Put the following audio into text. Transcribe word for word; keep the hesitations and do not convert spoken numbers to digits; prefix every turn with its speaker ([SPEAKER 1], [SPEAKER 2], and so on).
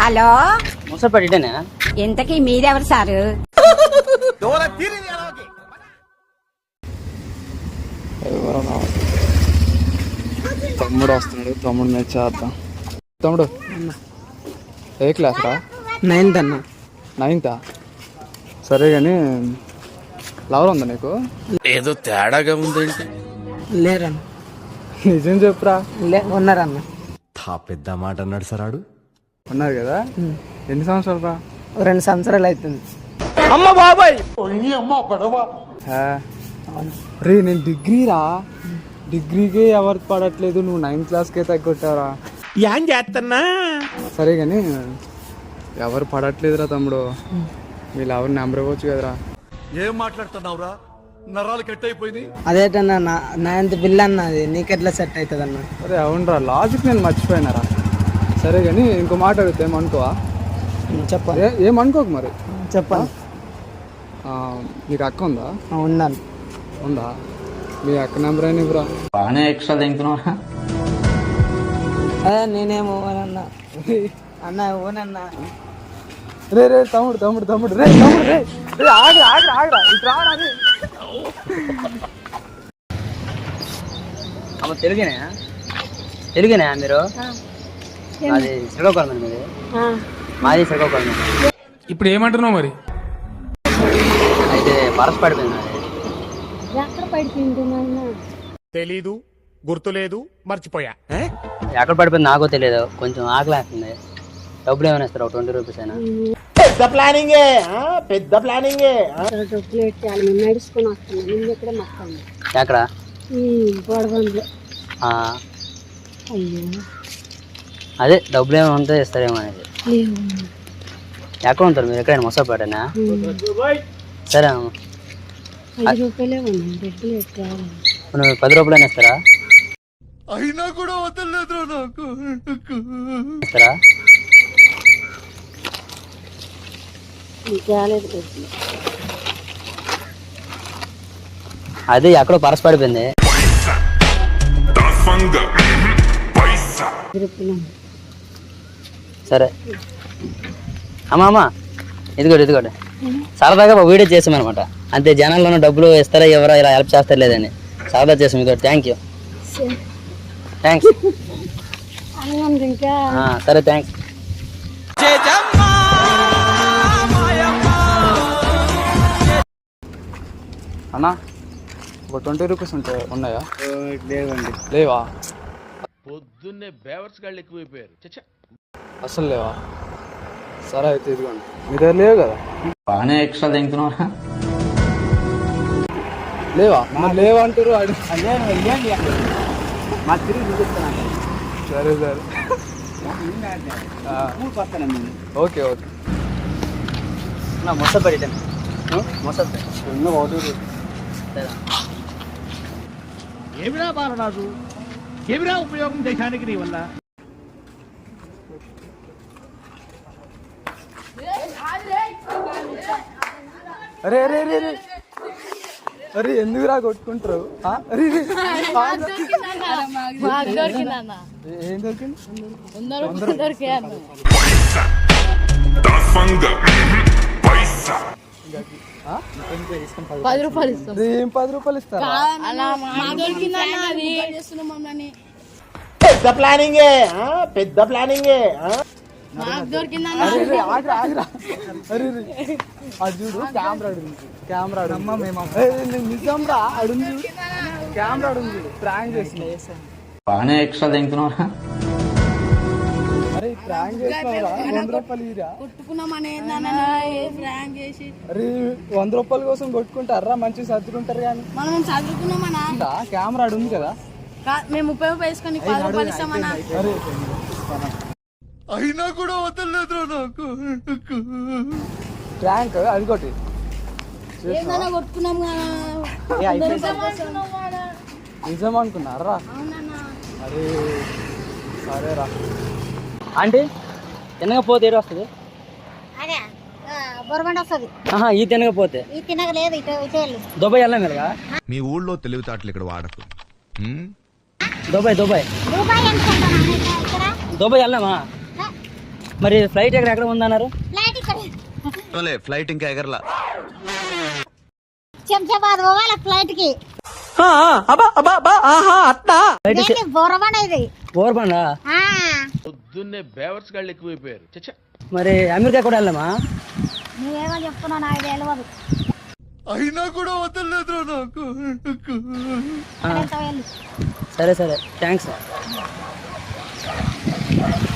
[SPEAKER 1] Hello
[SPEAKER 2] ముసపడిటేనా?
[SPEAKER 1] ఇంతకీ మీరెవరు sir?
[SPEAKER 3] తమ్ముడు వస్తున్నాడు, తమ్ముడు మీద చేద్దాం. తమ్ముడు ఏ క్లాస్ రా?
[SPEAKER 4] నైన్త్ అన్న.
[SPEAKER 3] నైన్తా? సరే కానీ లవర్ ఉందా నీకు?
[SPEAKER 5] ఏదో తేడాగా ఉందేంటి?
[SPEAKER 4] లేరన్న.
[SPEAKER 3] నిజం చెప్పురా.
[SPEAKER 4] లే ఉన్నారన్న.
[SPEAKER 5] పెద్ద మాట అన్నాడు సరాడు.
[SPEAKER 3] ఉన్నారు కదా? ఎన్ని సంవత్సరాలు రా?
[SPEAKER 4] రెండు సంవత్సరాలు అవుతుంది.
[SPEAKER 3] అమ్మ బాబాయ్ రే, నేను డిగ్రీ రా. డిగ్రీకే ఎవరికి పడట్లేదు, నువ్వు నైన్త్ క్లాస్కే తగ్గొట్టారా?
[SPEAKER 5] ఏం చేస్తున్నా?
[SPEAKER 3] సరే కానీ ఎవరు పడట్లేదురా తమ్ముడు. వీళ్ళు ఎవరు నెంబర్ ఇవ్వచ్చు కదరా?
[SPEAKER 6] ఏం మాట్లాడుతున్నావురా? నరాలు కట్ అయిపోయింది.
[SPEAKER 4] అదేటన్నా నైన్త్ బిల్ అన్నది, నీకెట్లా సెట్ అవుతుంది అన్న?
[SPEAKER 3] అరే అవునరా, లాజిక్ నేను మర్చిపోయినారా. సరే కానీ ఇంకో మాట అడిగితే ఏమనుకోవా?
[SPEAKER 4] చెప్పాలి.
[SPEAKER 3] ఏమనుకోకు మరి.
[SPEAKER 4] చెప్పాలి.
[SPEAKER 3] నీకు అక్క ఉందా?
[SPEAKER 4] ఉన్నాను.
[SPEAKER 3] ఉందా? మీ అక్క నెంబర్ అయినా ఇవ్వరా.
[SPEAKER 2] బాగానే ఎక్స్ట్రా తింటున్నావా?
[SPEAKER 4] అదే నేనేమో ఓనన్నా. అన్న ఓనన్నా.
[SPEAKER 3] రే రే తమ్ముడు తమ్ముడు తమ్ముడు రే తమ్ముడు రే రే ఆగి ఆగి ఆగిరా ఇటు రారా రే.
[SPEAKER 2] అమ్మ తెలుగునే? తెలుగునే మీరు? అది శ్రీకాకుళం మీది? మాది శ్రీకాకుళం.
[SPEAKER 7] ఇప్పుడు ఏమంటున్నావు మరి?
[SPEAKER 2] అయితే పరస్ పడిపోయింది.
[SPEAKER 6] తెలీదు, గుర్తులేదు, మర్చిపోయా.
[SPEAKER 2] ఎక్కడ పడిపోయింది నాకో తెలియదు. కొంచెం ఆకలి వేస్తుంది. డబ్బులు ఏమైనా ఇస్తారు? ట్వంటీ రూపీస్ అయినా.
[SPEAKER 8] పెద్ద ప్లానింగే, పెద్ద ప్లానింగే.
[SPEAKER 2] ఎక్కడ? అదే డబ్బులు ఏమైనా ఉంటే ఇస్తారేమో అనేది. ఎక్కడ ఉంటారు మీరు? ఎక్కడైనా మొసపేటనా? సరే అమ్మ, పది రూపాయలైనా ఇస్తారా?
[SPEAKER 6] అయినా కూడా వదలలేదు నాకు.
[SPEAKER 2] ఇస్తారా? అది ఎక్కడో పరస్ పడిపోయింది. సరే అమ్మా అమ్మా ఇదిగోటి ఇదిగోటి సరదాగా ఒక వీడియో చేసామన్నమాట. అంతే, జనాల్లో డబ్బులు ఇస్తారా ఎవరా ఇలా హెల్ప్ చేస్తారు లేదని సరదా చేసాం. ఇదిగోటి థ్యాంక్ యూ. థ్యాంక్స్. సరే థ్యాంక్స్.
[SPEAKER 3] అన్నా ఒక ట్వంటీ రూపీస్ ఉంటాయి, ఉన్నాయా?
[SPEAKER 4] లేవండి.
[SPEAKER 3] లేవా?
[SPEAKER 5] పొద్దున్నే బేవర్స్ గాళ్ళు ఎక్కువైపోయారు.
[SPEAKER 3] అసలు లేవా? సరే అయితే ఇదిగోండి. మీ దగ్గర లేవు కదా?
[SPEAKER 2] బాగానే ఎక్స్ట్రా తింటున్నావా?
[SPEAKER 3] లేవా? మరి లేవంటారు. సరే సరే ఓకే ఓకే.
[SPEAKER 2] మొసపడిటాను మొసప
[SPEAKER 8] ఏమిరా బాలరాజు, ఏమిరా ఉపయోగం దేశానికి నీ వల్ల?
[SPEAKER 3] అరే అరే అరే అరే అరే ఎందుకు రా కొట్టుకుంటారు? ఏం దొరికింది?
[SPEAKER 9] పది రూపాయలు ఇస్తాం.
[SPEAKER 3] ఏం పది రూపాయలు ఇస్తారా?
[SPEAKER 8] పెద్ద ప్లానింగే, పెద్ద ప్లానింగే.
[SPEAKER 3] అడుగు కెమెరా కెమెరా నిజం రా. అడుగు కెమెరా అడుగు ప్రాంక్ చేసిన.
[SPEAKER 2] బాగానే ఎక్స్ట్రా తింటున్నావా?
[SPEAKER 3] అరే ప్రాంక్ చేసినావురా. వంద రూపాయలు ఇరా. అరే వంద రూపాయల కోసం కొట్టుకుంటారా? మంచిగా సర్దుకుంటారు కానీ
[SPEAKER 9] మనం చదువుకున్నామన్నా.
[SPEAKER 3] కెమెరా అడుగు కదా.
[SPEAKER 9] మేము ముప్పై రూపాయలు వేసుకొని పది రూపాయలు ఇస్తామన్నా.
[SPEAKER 6] అయినా కూడా వదలలేదు నాకు.
[SPEAKER 3] ప్రాంక్ అదిగోటి
[SPEAKER 9] కొట్టుకున్నాం.
[SPEAKER 3] నిజం అనుకున్నారా? అరే సరే రా.
[SPEAKER 2] ఆంటీ తినకపోతే ఏడు వస్తుంది? ఈ తినకపోతే దుబాయ్ వెళ్ళాం మీరుగా.
[SPEAKER 5] మీ ఊళ్ళో తెలివితేటలు ఇక్కడ వాడకు.
[SPEAKER 2] దుబాయ్ దుబాయ్ దుబాయ్ వెళ్ళామా? మరి ఫ్లైట్ ఎక్కడ ఎక్కడ ఉందన్నారు?
[SPEAKER 5] ఫ్లైట్ ఇంకా ఎగరలా.
[SPEAKER 1] శంషాబాద్ పోవాలి ఫ్లైట్ కి.
[SPEAKER 2] ఫ్లైట్
[SPEAKER 1] బోరబండది.
[SPEAKER 2] బోర్బండా?
[SPEAKER 5] పొద్దున్నే బేవర్స్ గాళ్ళు ఎక్కువైపోయారు. చచ్చా.
[SPEAKER 2] మరి అమెరికా కూడా వెళ్ళామా?
[SPEAKER 1] నువ్వేమో చెప్తున్నావు నాకు తెలియదు.
[SPEAKER 6] అయినా కూడా వదలలేదు నాకు.
[SPEAKER 2] ఆ,
[SPEAKER 1] వెళ్ళు.
[SPEAKER 2] సరే సరే థ్యాంక్స్.